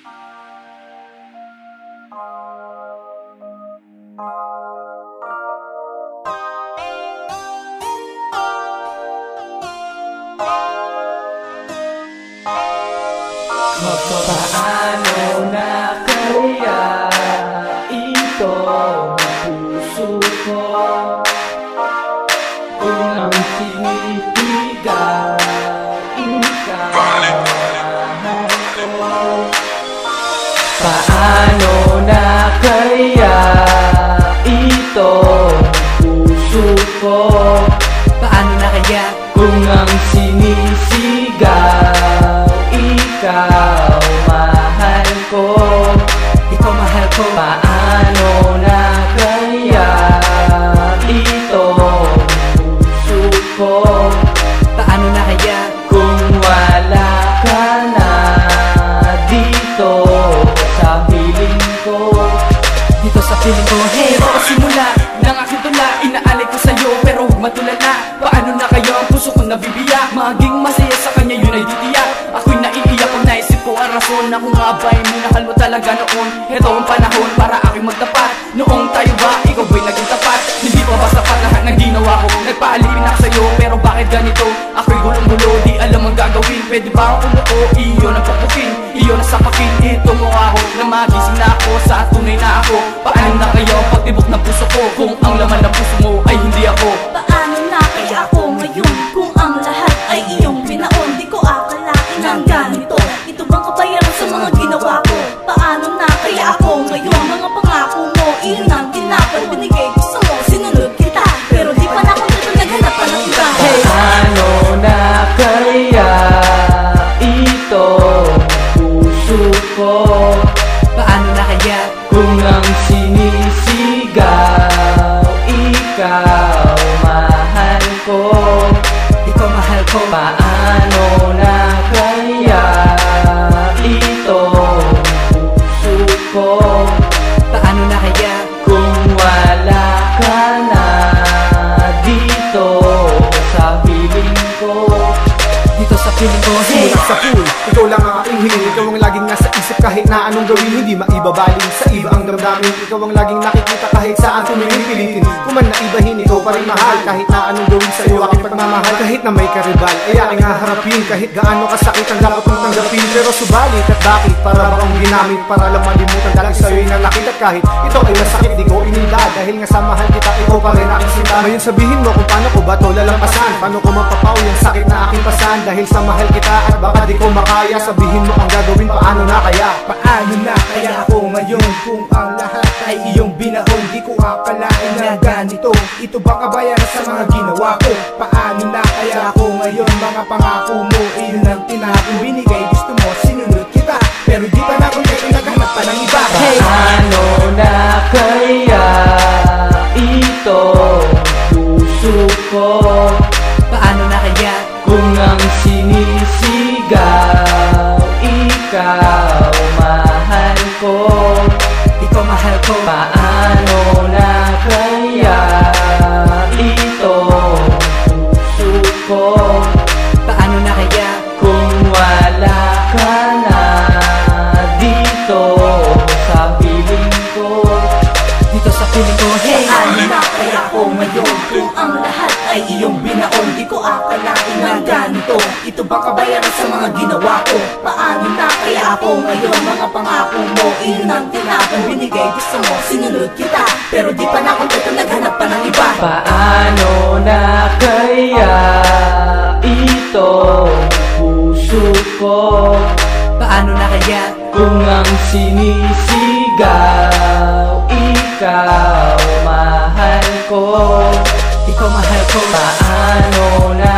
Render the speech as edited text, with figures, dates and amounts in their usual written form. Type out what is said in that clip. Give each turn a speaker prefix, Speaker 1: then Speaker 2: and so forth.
Speaker 1: Paano na kaya ito puso ko kung ang sinisigaw ikaw mahal ko? Paano na kaya ito puso ko? Paano na kaya kung ang sinisigaw ikaw mahal ko? Ikaw mahal ko. Paano na kaya ito puso ko? Paano na kaya kung wala ka na dito sa piling ko? Dito sa piling ko. Hey, simula ng aking tula, inaalay ko sa'yo pero huwag matulala. Paano na kayo ang puso kong nabibiyak? Maging masaya sa kanya yun ay titiyak. Ako'y naiiyak kung naisip ko ang rason na kung nga ba'y minahal mo talaga noon. Ito ang panahon para aking magtapat. Noong tayo ba, ikaw ba'y naging tapat? Hindi pa ba sapat lahat ng ginawa ko? Nagpaalipin ako sa'yo pero bakit ganito? Ako'y gulong-gulo, di alam ang gagawin. Pwede ba akong umuo? Iyo na papukin, iyo na sapakin. Ito mo ako na magising na ako sa tunay na ako. Paano na kayo ang pagtibok ng puso ko kung ang laman ng puso mo ay hindi ako?
Speaker 2: Paano na kaya ako ngayon kung ang lahat ay iyong binaon? Di ko akalain ng ganito. Ito bang kabayaran sa mga ginawa ko? Paano na kaya ako ngayon? Mga pangako mo, iyon ang tinapon. Binigay gusto mo, sinunod kita. Pero di pa na ako naghanap pa ng iba.
Speaker 1: Paano na kaya ito puso ko? Paano na kaya kung ang sinisigaw ikaw mahal ko? Ikaw mahal ko. Paano na kaya ito puso ko? Paano na kaya kung wala ka na dito sa piling ko? Dito sa piling ko.
Speaker 3: Simula sa pool, ikaw lang ang aking hiling. Ikaw ang laging nasa isip kahit na anong gawin. Hindi maibabaling sa iba ang damdamin. Ikaw ang laging nakikita kahit saan tumingin pilitin. Kung man naibahin, ikaw pa rin mahal. Kahit na anong gawin sa'yo aking pagmamahal. Kahit na may karibal, ay aking haharapin. Kahit gaano kasakit ang dapat mong tanggapin. Pero subalit at bakit? Para ba akong ginamit? Para lang malimutan dahil sa'yo'y nalakit. At kahit ito ay masakit, di ko ininda. Dahil nga sa mahal kita, ikaw pa rin aking sinta. Ngayon sabihin mo kung paano ko ba to lalampasan. Paano ko mapapaw yung sakit na aking pasan. Dahil sa mahal kita at baka di ko makaya. Sabihin mo ang gagawin, paano na kaya?
Speaker 4: Paano na kaya ako ngayon kung ang lahat ay iyong binaon? Di ko akalain na ganito. Ito ba kabayaran sa mga ginawa ko? Paano na kaya ako ngayon? Mga pangako mo, iyon ang tinapon. Binigay gusto mo, sinunod kita. Pero di pa na ako naghanap pa ng iba.
Speaker 1: Paano na kaya ito puso ko? Paano na kaya kung ang sinisigaw ikaw mahal ko? Ikaw mahal ko. Paano na kaya ito puso ko? Paano na kaya kung wala ka na dito sa piling ko? Dito sa piling ko. Hey!
Speaker 2: Paano na kaya ako ngayon kung ang lahat ay iyong binaon? Di ko akalain ng ganito. Ito ba kabayaran sa mga ginawa ko? Paano na kaya ako ngayon? Mga pangako mo, iyon ang tinapon. Binigay gusto mo, sinunod kita. Pero di pa na ako naghanap pa ng iba.
Speaker 1: Paano na kaya ito puso ko? Paano na kaya kung ang sinisigaw ikaw mahal ko? Ikaw mahal ko. Paano na